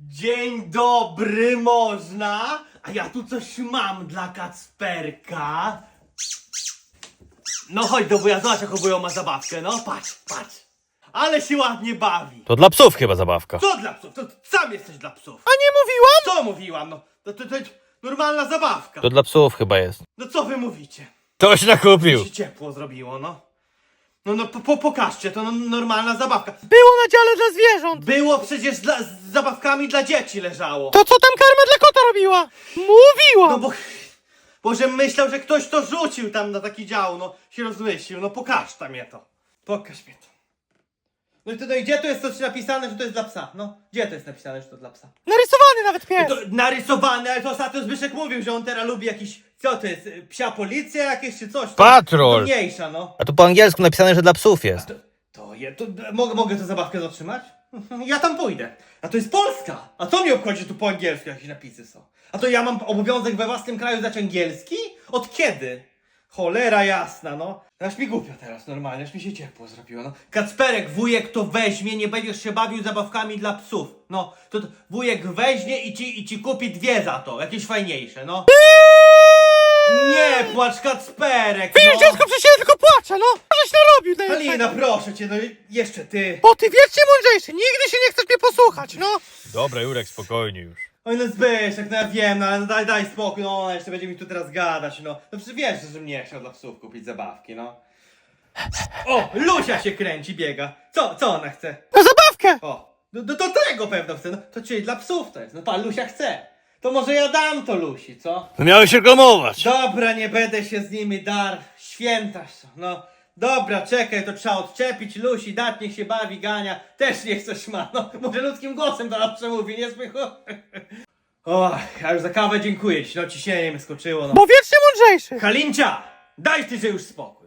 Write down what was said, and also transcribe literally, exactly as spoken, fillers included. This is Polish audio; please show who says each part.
Speaker 1: Dzień dobry, można? A ja tu coś mam dla Kacperka. No chodź do wuja, zobacz jaką wujo ma zabawkę, no patrz, patrz. Ale się ładnie bawi.
Speaker 2: To dla psów chyba zabawka.
Speaker 1: Co dla psów? To sam jesteś dla psów.
Speaker 2: A nie mówiłam?
Speaker 1: Co mówiłam? No to, to, to normalna zabawka.
Speaker 2: To dla psów chyba jest.
Speaker 1: No co wy mówicie?
Speaker 2: Ktoś nakupił.
Speaker 1: Mi się ciepło zrobiło, no. No, no po, po, pokażcie, to no, normalna zabawka.
Speaker 2: Było na dziale dla zwierząt.
Speaker 1: Było przecież dla, z zabawkami dla dzieci leżało.
Speaker 2: To co tam karma dla kota robiła? Mówiłam.
Speaker 1: No bo... Boże, myślał, że ktoś to rzucił tam na taki dział, no się rozmyślił, no pokaż tam je to. Pokaż mi to. No i to, no i gdzie to jest coś napisane, że to jest dla psa? No, gdzie to jest napisane, że to dla psa?
Speaker 2: Narysowany nawet pies.
Speaker 1: To narysowane, ale to ostatnio Zbyszek mówił, że on teraz lubi jakiś, co to jest, y, psia policja jakieś czy coś? To,
Speaker 2: Patrol.
Speaker 1: To mniejsza, no.
Speaker 2: A tu po angielsku napisane, że dla psów jest.
Speaker 1: To, to, je, to mogę, mogę tę zabawkę zatrzymać? Ja tam pójdę. A to jest Polska. A co mi obchodzi, że tu po angielsku jakieś napisy są? A to ja mam obowiązek we własnym kraju znać angielski? Od kiedy? Cholera jasna, no. Aż mi głupio teraz normalnie, aż mi się ciepło zrobiło, no. Kacperek, wujek to weźmie, nie będziesz się bawił zabawkami dla psów. No, to, to wujek weźmie i ci, i ci kupi dwie za to, jakieś fajniejsze, no. Nie płacz, Kacperek,
Speaker 2: Wiesz,
Speaker 1: no.
Speaker 2: dziecko przecież tylko płacze, no. Żeś narobił na
Speaker 1: Halina, proszę cię, no jeszcze ty.
Speaker 2: Bo ty wiecznie mądrzejszy, nigdy się nie chcesz mnie posłuchać, no. Dobra, Jurek, spokojnie już.
Speaker 1: Oj no Zbyszek, no ja wiem, no ale no daj, daj spokój, no ona jeszcze będzie mi tu teraz gadać, no. No przecież wiesz, że mnie chciał dla psów kupić zabawki, no. O, Lusia się kręci, biega. Co, co ona chce?
Speaker 2: Na zabawkę.
Speaker 1: O, do, do, do tego pewno chce, no to czyli dla psów to jest, no pan Lusia chce. To może ja dam to Lusi, co?
Speaker 2: No miałeś reklamować.
Speaker 1: Dobra, nie będę się z nimi dar, święta są, no. Dobra, czekaj, to trzeba odczepić Lusi, dać, niech się bawi, gania. Też niech coś ma, no. Może ludzkim głosem do nas przemówi, nie słychu? O, ja już za kawę dziękuję ci, no ciśnienie mi skoczyło, no.
Speaker 2: Bo wiecznie mądrzejszy.
Speaker 1: Halincia, daj ty, że już spokój.